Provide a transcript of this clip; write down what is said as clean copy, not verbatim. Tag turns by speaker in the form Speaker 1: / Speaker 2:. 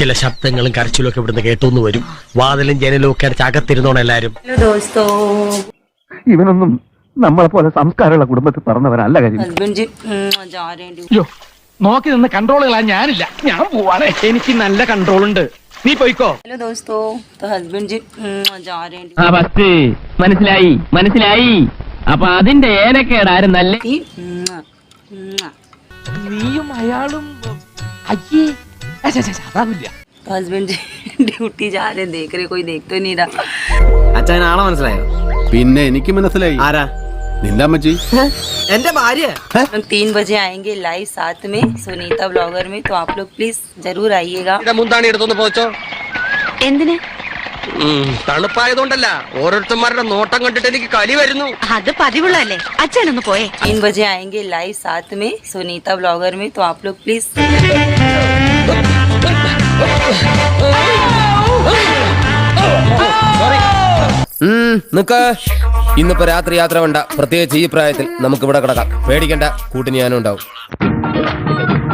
Speaker 1: ചില ശബ്ദങ്ങളും കരച്ചിലും ഒക്കെ ഇവിടുന്ന് കേട്ടോന്ന് വരും. വാതിലും ജനലും ഒക്കെ അടച്ച് അകത്തിരുന്നോണം എല്ലാരും.
Speaker 2: ഇവനൊന്നും നമ്മളെ പോലെ സംസ്കാരമുള്ള കുടുംബത്തിൽ പറഞ്ഞവരല്ല കാര്യം. നോക്കി നിന്ന് കൺട്രോളുകളാ ഞാനില്ല. ഞാൻ പോവാണ്. എനിക്ക് നല്ല കൺട്രോൾ ഉണ്ട്. നീ പോയിക്കോ.
Speaker 3: മനസ്സിലായി മനസ്സിലായി. അപ്പൊ അതിന്റെ ഏനക്കേടാരും നല്ല
Speaker 2: നീയും അയാളും അതാവില്ല.
Speaker 4: हस्बैंड ड्यूटी जा रहे देख रहे कोई देख तो नहीं रहा.
Speaker 5: അച്ഛൻ ആളെ മനസ്സിലായോ?
Speaker 6: പിന്നെ എനിക്ക് മനസ്സിലായി.
Speaker 5: ആരാ?
Speaker 6: നിന്റെ അമ്മച്ചി.
Speaker 5: എന്റെ ഭാര്യ.
Speaker 4: 3 बजे आएंगे लाइव साथ में सुनीता ब्लॉगर में, तो आप लोग प्लीज जरूर आइएगा.
Speaker 1: മുന്താണി എടുത്തൊന്ന് പോച്ചോ.
Speaker 7: എന്തിന്?
Speaker 1: തണുപ്പായതുകൊണ്ടല്ല, ഓരോരുത്തന്മാരുടെ നോട്ടം കണ്ടിട്ട് എനിക്ക് കലി വരുന്നു.
Speaker 7: അത് പതിവുള്ളതല്ലേ. അച്ഛനൊന്ന് പോയേ.
Speaker 4: 3 बजे आएंगे लाइव साथ में सुनीता ब्लॉगर में, तो आप लोग प्लीज.
Speaker 8: നിക്ക്. ഇന്നിപ്പോ രാത്രി യാത്ര വേണ്ട. പ്രത്യേകിച്ച് ഈ പ്രായത്തിൽ നമുക്ക് ഇവിടെ കിടക്കാം. പേടിക്കണ്ട, കൂട്ടിന് ഞാനും ഉണ്ടാവും.